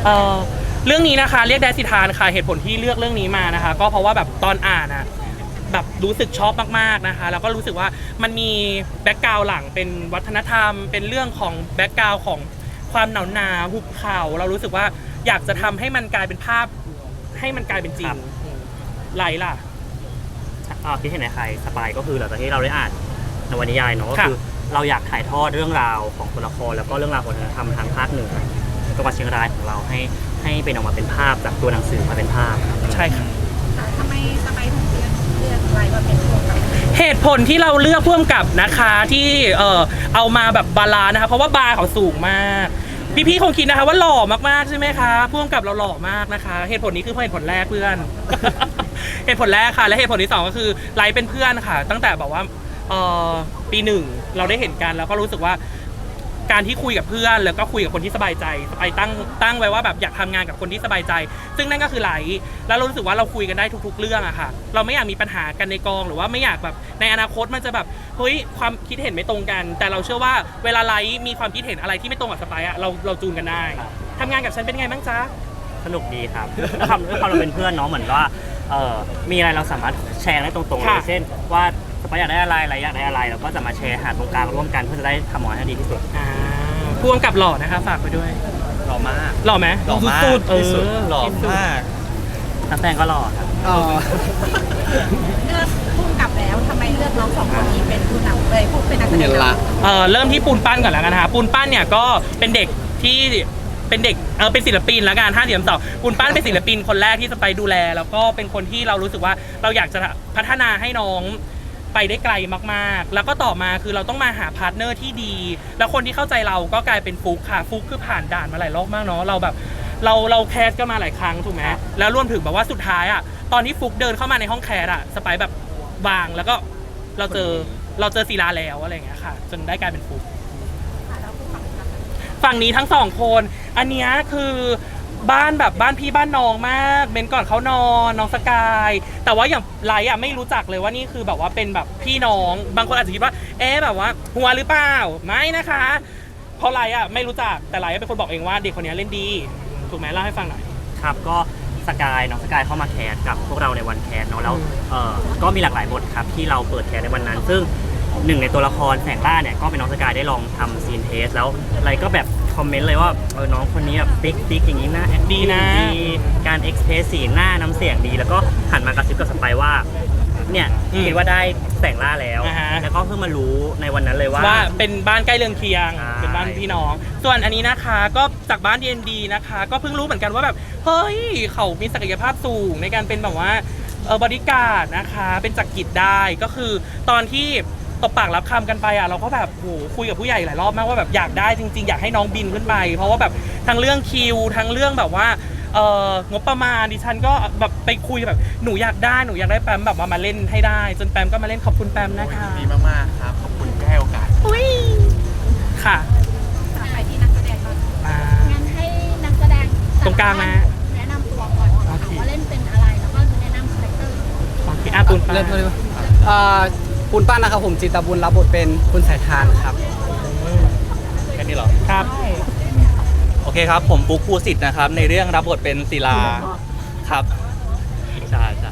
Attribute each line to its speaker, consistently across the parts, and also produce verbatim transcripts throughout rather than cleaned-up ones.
Speaker 1: ออเรื่องนี้นะคะเรียกแดดสิทานค่ะเหตุผลที่เลือกเรื่องนี้มานะคะก็เพราะว่าแบบตอนอ่านอะแบบรู้สึกชอบมากๆนะคะแล้วก็รู้สึกว่ามันมีแบ็กกราวด์หลังเป็นวัฒนธรรมเป็นเรื่องของแบ็กกราวด์ของความหนาวหนาหุบเขาเรารู้สึกว่าอยากจะทำให้มันกลายเป็นภาพให้มันกลายเป็นจริงไหลล่ะ
Speaker 2: อ่าคิดเห็นในใครสปายก็คือหลังจากที่เราได้อ่านนวนิยายเนาะก็คือเราอยากถ่ายทอดเรื่องราวของตัวละครแล้วก็เรื่องราวของวัฒนธรรมทางภาคเหนือจังหวัดเชียงรายของเราให้ให้เป็นออกมาเป็นภาพจากตัวหนังสือมาเป็นภาพ
Speaker 1: ใช่ค่ะ
Speaker 3: ทำไมทำไมถึงเลือกเลือกอะไรมาเป็นตัวกับ
Speaker 1: เหตุผลที่เราเลือกพ่วงกับนะคะที่เออเอามาแบบบาลานซ์นะคะเพราะว่าบาร์เขาสูงมากพี่ๆคงคิดนะคะว่าหล่อมากๆใช่ไหมคะพ่วงกับเราหล่อมากนะคะเหตุผลนี้คือเหตุผลแรกเพื่อน เหตุผลแรกค่ะและเหตุผลที่สองก็คือไลฟ์เป็นเพื่อนค่ะตั้งแต่แบบว่าเออปีหนึ่งเราได้เห็นกันแล้วก็รู้สึกว่าการที่คุยกับเพื่อนแล้วก็คุยกับคนที่สบายใจไปตั้งตั้งไว้ว่าแบบอยากทำงานกับคนที่สบายใจซึ่งนั่นก็คือไลฟ์แล้วเรารู้สึกว่าเราคุยกันได้ทุกๆเรื่องอะค่ะเราไม่อยากมีปัญหากันในกองหรือว่าไม่อยากแบบในอนาคตมันจะแบบเฮ้ยความคิดเห็นไม่ตรงกันแต่เราเชื่อว่าเวลาไลฟ์มีความคิดเห็นอะไรที่ไม่ตรงกับสไปอะเราเราจูนกันได้ทำงานกับฉันเป็นไงบ้างจ๊ะ
Speaker 2: สนุกดีครับด้วยความด้วยความเราเป็นเพื่อนเนาะเหมือนว่าเออมีอะไรเราสามารถแชร์ได้ตรงๆเลยเช่นว่าสปายอยากได้อะไรอะไรอยากได้อะไรเราก็จะมาแชร์หาตรงกลางร่วมกันเพื่อจะได้ทำออกมาให้ดีที่สุด
Speaker 1: พ่วงกับหล่อนะคะฝากไปด้วย
Speaker 4: หล่อมาก
Speaker 1: หล่อไหม
Speaker 4: หล่อมากที่สุดหล่อมาก
Speaker 2: นักแสดงก็หล่อครับ
Speaker 3: เลือกพุ่งกลับแล้วทำไมเลือกน้องสองคนนี้เป็นผู้นำเลยผู้เป็นนักแสดงละ
Speaker 1: เออเริ่มที่ปูนปั้นก่อนแล้วกันนะคะปูนปั้นเนี่ยก็เป็นเด็กที่เป็นเด็กเออเป็นศิลปินแล้วกันห้าเดียมสองปูนปั้นเป็นศิลปินคนแรกที่จะไปดูแลแล้วก็เป็นคนที่เรารู้สึกว่าเราอยากจะพัฒนาให้น้องไปได้ไกลมากๆแล้วก็ต่อมาคือเราต้องมาหาพาร์ทเนอร์ที่ดีแล้วคนที่เข้าใจเราก็กลายเป็นฟุกค่ะฟุกคือผ่านด่านมาหลายรอบมากเนาะเราแบบเราเราแคสก็มาหลายครั้งถูกไหมแล้วรวมถึงแบบว่าสุดท้ายอ่ะตอนที่ฟุกเดินเข้ามาในห้องแคสอ่ะสไปแบบวางแล้วก็เราเจอเราเจอศิลาแล้วอะไรอย่างเงี้ยค่ะจนได้กลายเป็นฟุกฝั่งนี้ทั้งสองคนอันเนี้ยคือบ้านแบบบ้านพี่บ้านน้องมากเบนก่อนเขานอนน้องสกายแต่ว่าอย่างไลท์อ่ะไม่รู้จักเลยว่านี่คือแบบว่าเป็นแบบพี่น้องบางคนอาจจะคิดว่าเอ๊ะแบบว่าหัวหรือเปล่าไม่นะคะเพราะไลท์อ่ะไม่รู้จักแต่ไลท์เป็นคนบอกเองว่าเด็กคนนี้เล่นดีถูกไหมเล่าให้ฟังหน่อย
Speaker 2: ครับก็สกายน้องสกายเข้ามาแคสกับพวกเราในวันแคสเนาะแล้วเออก็มีหลากหลายบทครับที่เราเปิดแคสในวันนั้นซึ่งหนึ่งในตัวละครแสงล่าเนี่ยก็เป็นน้องสกายได้ลองทำซีนเทสแล้วอะไรก็แบบคอมเมนต์เลยว่าเออน้องคนนี้แบบติ๊กติ๊กอย่างนี้นะ
Speaker 1: ดีนะ
Speaker 2: การเอ็กซ์เพรสสีหน้าน้ำเสียงดีแล้วก็หันมากระซิบกับสไปว่าเนี่ยคิดว่าได้แสงล่าแล้วแล้วก็เพิ่งมารู้ในวันนั้นเลยว่า
Speaker 1: ว่าเป็นบ้านใกล้เรือนเคียงเป็นบ้านพี่น้องส่วนอันนี้นะคะก็จากบ้าน ดี เอ็น ดี นะคะก็เพิ่งรู้เหมือนกันว่าแบบเฮ้ยเขามีศักยภาพสูงในการเป็นแบบว่าเออบริการนะคะเป็นจักรกิจได้ก็คือตอนที่ตบปากรับคำกันไปอ่ะเราก็แบบโหคุยกับผู้ใหญ่หลายรอบมากว่าแบบอยากได้จริงๆอยากให้น้องบินขึ้นไปเพราะว่าแบบทั้งเรื่องคิวทั้งเรื่องแบบว่าเอองบประมาณดิฉันก็แบบไปคุยแบบหนูอยากได้หนูอยากได้แปมแบบมามาเล่นให้ได้จนแปมก็มาเล่นขอบคุณแปมนะคะ
Speaker 4: ดีมากๆครับขอบคุณที่ให้โอกาส
Speaker 1: อุ้ยค่ะ
Speaker 3: ไปที่นักแสดงก่อนงั้นให้นักแสดง
Speaker 1: ตรงกลางนะ
Speaker 3: แนะนำตัวก่อนว่าเล่นเป็นอะไรแล้วก็แนะนำคาแรคเตอร์
Speaker 1: โอเคอ่ะปูนปั้น
Speaker 5: เริ่มเลยอ่าปูนปั้นนะครับผมจิตบุญรับบทเป็นคุณสายทานครับ
Speaker 4: แค่นี้เหรอ
Speaker 1: ครับ
Speaker 4: โอเคครับผมปุ๊กภูสิทธิ์นะครับในเรื่องรับบทเป็นศิลาครับใช่ใช่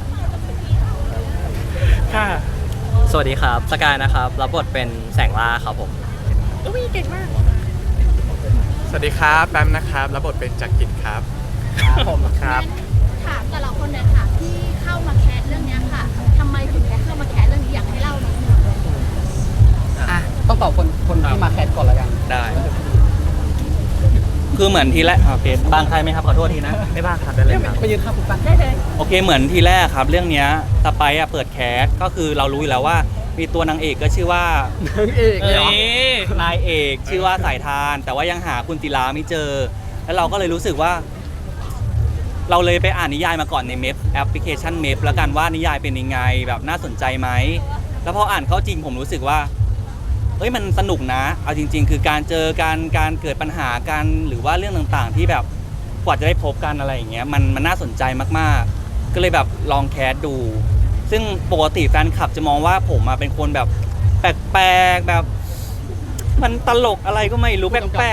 Speaker 1: ค่ะ
Speaker 5: สวัสดีครับสกายนะครับรับบทเป็นแสงล่าครับผม
Speaker 1: อุ้ยเก่งมาก
Speaker 4: สวัสดีครับแปมนะครับรับบทเป็นจักรกิจครับ
Speaker 5: ผมครับ
Speaker 3: ถามแต่ละคนเลยค่ะที่เข้ามาแคสเรื่องนี้ค่ะทำไมถึงได้เข้ามาแคสเรื่องนี้อยากให้เล่าหน่อย
Speaker 5: อ่ะต้องตอบคนคนที่มาแคสก่อนแล้วกัน
Speaker 4: ได้คือเหมือนทีแรกโอเคบางใครไหมครับขอโทษทีนะ
Speaker 2: ไม่บ้างครับได้เลยครับ
Speaker 5: ไปยืนข้างคุณปั้น
Speaker 3: ได้เลย
Speaker 4: โอเคเหมือนทีแรกครับเรื่องนี้สไปซ์อะเปิดแคสก็คือเรารู้อยู่แล้วว่ามีตัวนางเอกก็ชื่อว่าน
Speaker 5: างเอกเหร
Speaker 4: อนายเอกชื่อว่าสายทานแต่ว่ายังหาคุณศิลาไม่เจอแล้วเราก็เลยรู้สึกว่าเราเลยไปอ่านนิยายมาก่อนในเมพแอปพลิเคชันเมพแล้วกันว่านิยายเป็นยังไงแบบน่าสนใจไหมแล้วพออ่านเข้าจริงผมรู้สึกว่าเอ้ยมันสนุกนะเอาจริงๆคือการเจอการการเกิดปัญหากันหรือว่าเรื่องต่างๆที่แบบกว่าจะได้พบกันอะไรอย่างเงี้ยมันมันน่าสนใจมากๆก็เลยแบบลองแคสดูซึ่งปกติแฟนคลับจะมองว่าผมมาเป็นคนแบบแปลกๆแบบมันตลกอะไรก็ไม่รู้แปลก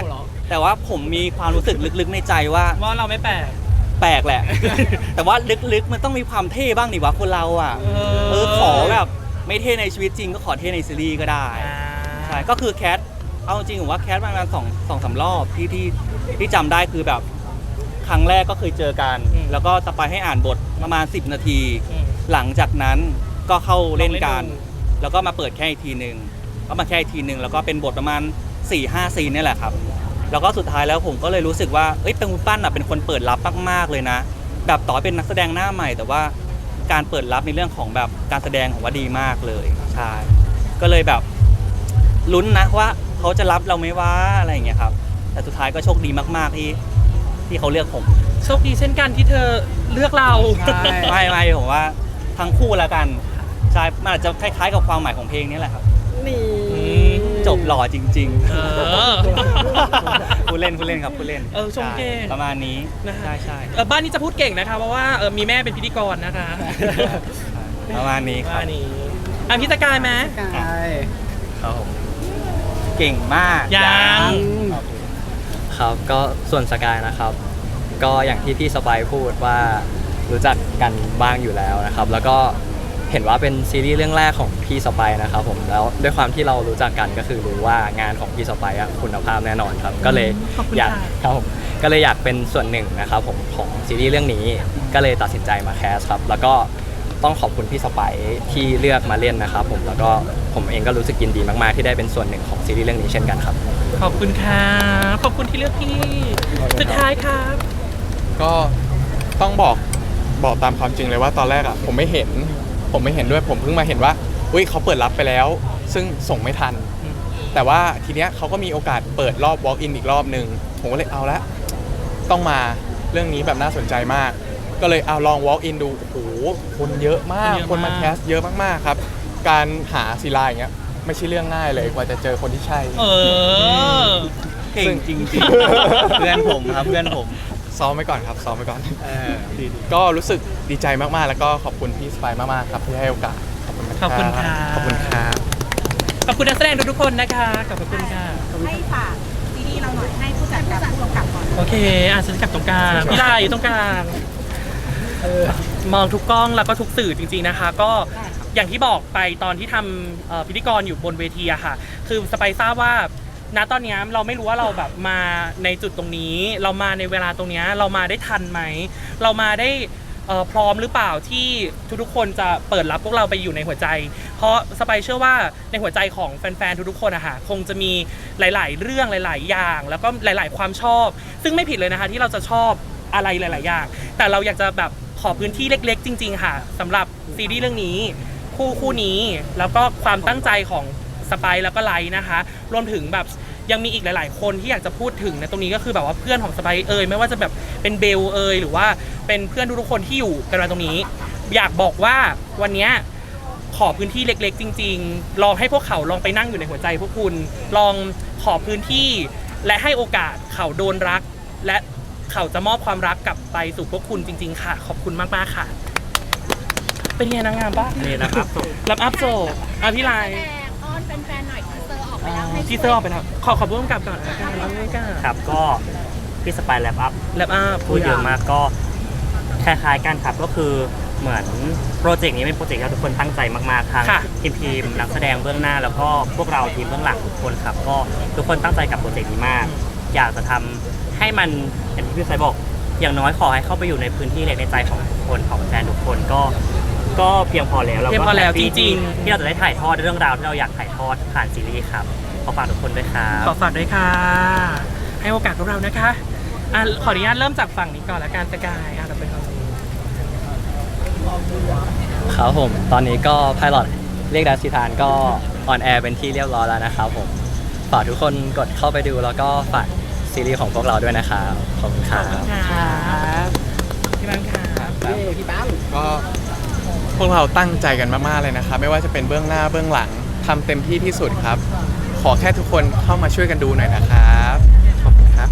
Speaker 4: แต่ว่าผมมีความรู้สึกลึกๆในใจว่า
Speaker 1: ว่าเราไม่แปลก
Speaker 4: แปลกแหละ แต่ว่าลึกๆมันต้องมีความเท่บ้างดิวะคนเราอ่ะ
Speaker 1: เออ
Speaker 4: เออขอแบบไม่เท่ในชีวิตจริงก็ขอเท่ในซีรีส์ก็ได้
Speaker 1: อ่า
Speaker 4: ใช่ก็คือแคทเอาจริงผมว่าแคทประมาณสองสองสามรอบที่ที่ที่จำได้คือแบบครั้งแรกก็เคยเจอกัน แล้วก็สปายให้อ่านบทประมาณสิบนาที
Speaker 1: อืม
Speaker 4: หลังจากนั้นก็เข้าเล่นกัน
Speaker 1: ลองเล่นดู
Speaker 4: แล้วก็มาเปิดแค่อีกทีหนึ่งก็มาแค่อีกทีหนึ่งแล้วก็เป็นบทประมาณ4ี่ห้าซีนนี่แหละครับแล้วก็สุดท้ายแล้วผมก็เลยรู้สึกว่าเอ้ยเป็นคุณปั้นอ่ะเป็นคนเปิดรับมากๆเลยนะแบบต่อให้เป็นนักแสดงหน้าใหม่ แต่ว่าการเปิดรับในเรื่องของแบบการแสดงของว่าดีมากเลยใช่ก็เลยแบบลุ้นนะว่าเขาจะรับเราไหมว่าอะไรอย่างเงี้ยครับแต่สุดท้ายก็โชคดีมากๆที่ที่เขาเลือกผม
Speaker 1: โชคดีเช่นกันที่เธอเลือกเรา
Speaker 5: ใช่
Speaker 4: ไม่ไม่ผมว่าทั้งคู่แล้วกันใช่มันอาจจะคล้ายๆกับความหมายของเพลงนี้แหละครับ
Speaker 5: นี่
Speaker 4: จบหล่อจริง
Speaker 1: เออ
Speaker 4: ๆ ผู้เล่นผู้เล่นครับผู้เล่น
Speaker 1: เออชมเก่ง
Speaker 4: ใช่ประมาณนี้
Speaker 1: นะฮะ
Speaker 4: ใช่ใช่
Speaker 1: เออบ้านนี้จะพูดเก่งนะคะ เพราะว่าเออมีแม่เป็นพิธีกรนะคะ
Speaker 4: ประมาณนี้ครับ
Speaker 1: ว่านี้อ่ะพี่ตะกายไหม
Speaker 5: ใช่
Speaker 6: ครับผม
Speaker 4: เก่งมาก
Speaker 1: ยัง
Speaker 6: ครับก็ส่วนสกายนะครับ ก็อย่างที่พี่สบายพูดว่ารู้จักกันบ้างอยู่แล้วนะครับ แล้วก็เห็นว่าเป็นซีรีส์เรื่องแรกของพี่สบายนะครับผมแล้วด้วยความที่เรารู้จักกันก็คือรู้ว่างานของพี่สบายอะคุณภาพแน่นอนครับ ก็เลย
Speaker 1: ขอบคุณ
Speaker 6: อยาก
Speaker 1: ค่ะ
Speaker 6: ครับผมก็เลยอยากเป็นส่วนหนึ่งนะครับผมของซีรีส์เรื่องนี้ก็เลยตัดสินใจมาแคสครับแล้วก็ต้องขอบคุณพี่สไปซ์ที่เลือกมาเล่นนะครับผมแล้วก็ผมเองก็รู้สึกยินดีมากๆที่ได้เป็นส่วนหนึ่งของซีรีส์เรื่องนี้เช่นกันครับ
Speaker 1: ขอบคุณค่ะขอบคุณที่เลือกพี่สุดท้ายครับ
Speaker 7: ก็ต้องบอกบอกตามความจริงเลยว่าตอนแรกอ่ะผมไม่เห็นผมไม่เห็นด้วยผมเพิ่งมาเห็นว่าอุ้ยเขาเปิดรับไปแล้ว ซึ่งส่งไม่ทัน
Speaker 1: อืม
Speaker 7: แต่ว่าทีเนี้ยเขาก็มีโอกาสเปิดรอบ walk in อีกรอบหนึ่งผมก็เลยเอาละต้องมาเรื่องนี้แบบน่าสนใจมาก ก็เลยเอาลอง walk in ดูโอ้โหคนเยอะมาก
Speaker 1: เยอะมาก
Speaker 7: คนมาแคสเยอะมากๆครับ การหาศิลาอย่างเงี้ยไม่ใช่เรื่องง่ายเลยกว่าจะเจอคนที่ใช่
Speaker 1: เออ
Speaker 4: เก่งจริงๆ เพื่อนผมครับเพื่อนผม
Speaker 7: ซ้อมไว้ก่อนครับซ้อมไว้ก่อนก็รู้สึกดีใจมากๆ แล้วก็ขอบคุณพี่สไปร์มากๆครับที่ให้โอกาสขอบคุณมาก
Speaker 1: ขอบคุณค่ะ
Speaker 7: ขอบคุณครับ
Speaker 1: ขอบคุณนักแสดงทุกๆคนนะคะขอบคุณค่ะ
Speaker 3: ให้ฝากซีรีส์เราหน่อยให้ผู้จัดกับผู้กำกับก่อน
Speaker 1: โอเคอ่ะฉันกลับตรงกลางพี่ลายอยู่ตรงกลางมองทุกกล้องแล้วก็ทุกสื่อจริงๆนะคะ ก็อย่างที่บอกไปตอนที่ทำเอ่อพิธีกรอยู่บนเวทีอะค่ะ คือสไปซ์ทราบว่าณตอนเนี้ยเราไม่รู้ว่าเราแบบมาในจุดตรงนี้ เรามาในเวลาตรงเนี้ยเรามาได้ทันไหมเรามาได้เอ่อพร้อมหรือเปล่าที่ทุกๆคนจะเปิดรับพวกเราไปอยู่ในหัวใจ เพราะสไปซ์เชื่อว่าในหัวใจของแฟนๆทุกๆคนอะค่ะคงจะมีหลาย ๆ เรื่องหลาย ๆ อย่าง แล้วก็หลาย ๆ ความชอบ ซึ่งไม่ผิดเลยนะคะที่เราจะชอบอะไรหลาย ๆ อย่าง แต่เราอยากจะแบบขอพื้นที่เล็ก ๆ จริง ๆ ค่ะสำหรับซีรีส์เรื่องนี้คู่คู่นี้แล้วก็ความตั้งใจของสไปซ์แล้วก็ไลท์นะคะรวมถึงแบบยังมีอีกหลาย ๆ คนที่อยากจะพูดถึงในตรงนี้ก็คือแบบว่าเพื่อนของสไปซ์เอ่ยไม่ว่าจะแบบเป็นเบลเอ่ยหรือว่าเป็นเพื่อนทุกๆคนที่อยู่กันมาตรงนี้ อยากบอกว่าวันเนี้ยขอพื้นที่เล็ก ๆ จริง ๆ ลองให้พวกเขาลองไปนั่งอยู่ในหัวใจพวกคุณลองขอพื้นที่และให้โอกาสเขาโดนรักและเขาจะมอบความรักกลับไปสู่พวกคุณจริง ๆ ค่ะ ขอบคุณมาก ๆ ค่ะ เป็นไงนางงามปะ
Speaker 2: นี่นะครับ
Speaker 1: รับอัพโซอ่ะพี่ไลน์
Speaker 3: แรงอ้อนแฟนๆหน่อยทีเซอร์ออกไปแล้วให้
Speaker 1: ทีเซอร์ออกไปแล้ว ขอขอพูดกับก่อนละกันไม่กล้า
Speaker 2: ครับก็พี่สไปร์แลปอัพ
Speaker 1: รับอัพ
Speaker 2: พูดเยอะมากก็คล้ายๆกันครับก็คือเหมือนโปรเจกต์นี้เป็นโปรเจกต์ที่ทุกคนตั้งใจมากๆทั้ง
Speaker 1: ค่ะ
Speaker 2: ทีมทีมนักแสดงเบื้องหน้า แล้วก็พวกเราทีมเบื้องหลังทุกคนครับก็ทุกคนตั้งใจกับโปรเจกต์นี้มาก อยากจะทำให้มันอย่างที่พี่สไปร์บอกอย่างน้อยขอให้เข้าไปอยู่ในพื้นที่เล็กในใจของทุกคนของแฟนทุกคนก็ก็เพียงพอแล้ว
Speaker 1: เพียงพอแล้ว
Speaker 2: ก็ฮปปี้
Speaker 1: จริงๆ
Speaker 2: ที่เราจะได้ถ่ายทอดเรื่องราวที่เราอยากถ่ายทอดผ่านซีรีส์ครับขอฝากทุกคนด้วยครับ
Speaker 1: ขอฝากด้วยค่ะ ให้โอกาสพวกเรานะคะอ่ะขออนุญาตเริ่มจากฝั่งนี้ก่อนละกันสกายอ่ะเราเป็นฝั่งนี้
Speaker 6: ครับผมตอนนี้ก็ไพลอตเรียกดัชชิทานก็ออนแอร์เป็นที่เรียบร้อยแล้วนะครับผมฝากทุกคนกดเข้าไปดูแล้วก็ฝากซีรีส์ของพวกเราด้วยนะครับขอบคุณครับ
Speaker 1: ครับพี่บังครับ
Speaker 5: เย้พี่ปั้ม
Speaker 7: ก็พวกเราตั้งใจกันมากๆเลยนะครับไม่ว่าจะเป็นเบื้องหน้าเบื้องหลังทำเต็มที่ที่สุดครับ ขอแค่ทุกคนเข้ามาช่วยกันดูหน่อยนะครับขอบคุณครับ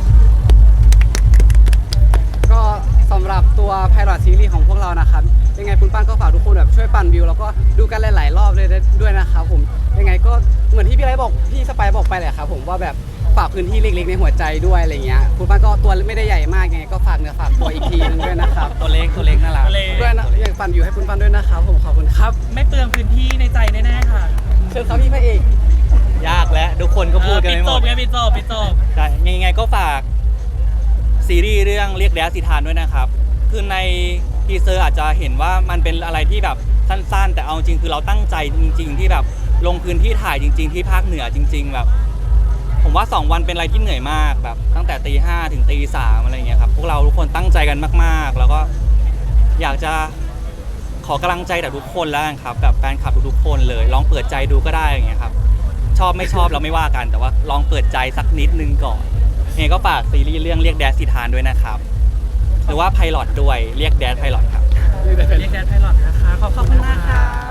Speaker 5: ก็สำหรับตัวไพลอตซีรีส์ของพวกเรานะครับยังไงคุณปั้นก็ฝากทุกคนแบบช่วยปั่นวิวแล้วก็ดูกันหลายๆรอบเลยด้วยนะครับผมยังไงก็เหมือนที่พี่ไรบอกพี่สไปร์บอกไปแหละครับผมว่าแบบฝากพื้นที่เล็กๆในหัวใจด้วยอะไรเงี้ยคุณป้านก็ตัวไม่ได้ใหญ่มากไงก็ฝากเนื้อฝากตัวอีกทีนึงด้วยนะครับ
Speaker 4: ตัวเล็กตัวเล็กน่ารัก
Speaker 1: ตัวเล็ก
Speaker 5: ด้วยนะอยากปั่นวิวให้คุณป้านด้วยนะครับผมขอบคุณครับ
Speaker 1: ไม่เปลืองพื้นที่ในใจแน่ๆค่ะ
Speaker 5: เชิญครับพี่พระเอก
Speaker 4: ยากแล้วทุกคนก็พูดกัน
Speaker 1: ปิด
Speaker 4: ไม่ห
Speaker 1: จ
Speaker 4: ม
Speaker 1: บ
Speaker 4: ด
Speaker 1: ไงปิดจบปิดจบ
Speaker 4: ใช่ยังไงก็ฝากซีรีส์เรื่องเรียกแดดสิทานด้วยนะครับ คือในทีเซอร์อาจจะเห็นว่ามันเป็นอะไรที่แบบสั้นๆ แต่เอาจริงคือเราตั้งใจจริง ๆ ที่แบบลงพื้นที่ถ่ายจริง ๆ ที่ภาคเหนือจริง ๆ แบบ ผมว่าสองวันเป็นอะไรที่เหนื่อยมากแบบตั้งแต่ตีห้าถึงตีสามอะไรเงี้ยครับพวกเราทุกคนตั้งใจกันมากๆ แล้วก็อยากจะขอกำลังใจจากทุกคนแล้วกันครับแบบแฟนคลับทุกๆคนเลยลองเปิดใจดูก็ได้อย่างเงี้ยครับชอบไม่ชอบเราไม่ว่ากันแต่ว่าลองเปิดใจสักนิดนึงก่อนยังไงก็ฝากซีรีส์เรื่องเรียกแดดสิทานด้วยนะครับหรือว่าไพลอตด้วยเรียกแดดไพลอตครับ
Speaker 1: เรียกแดนไพลอตนะคะขอบคุณมากค่ะ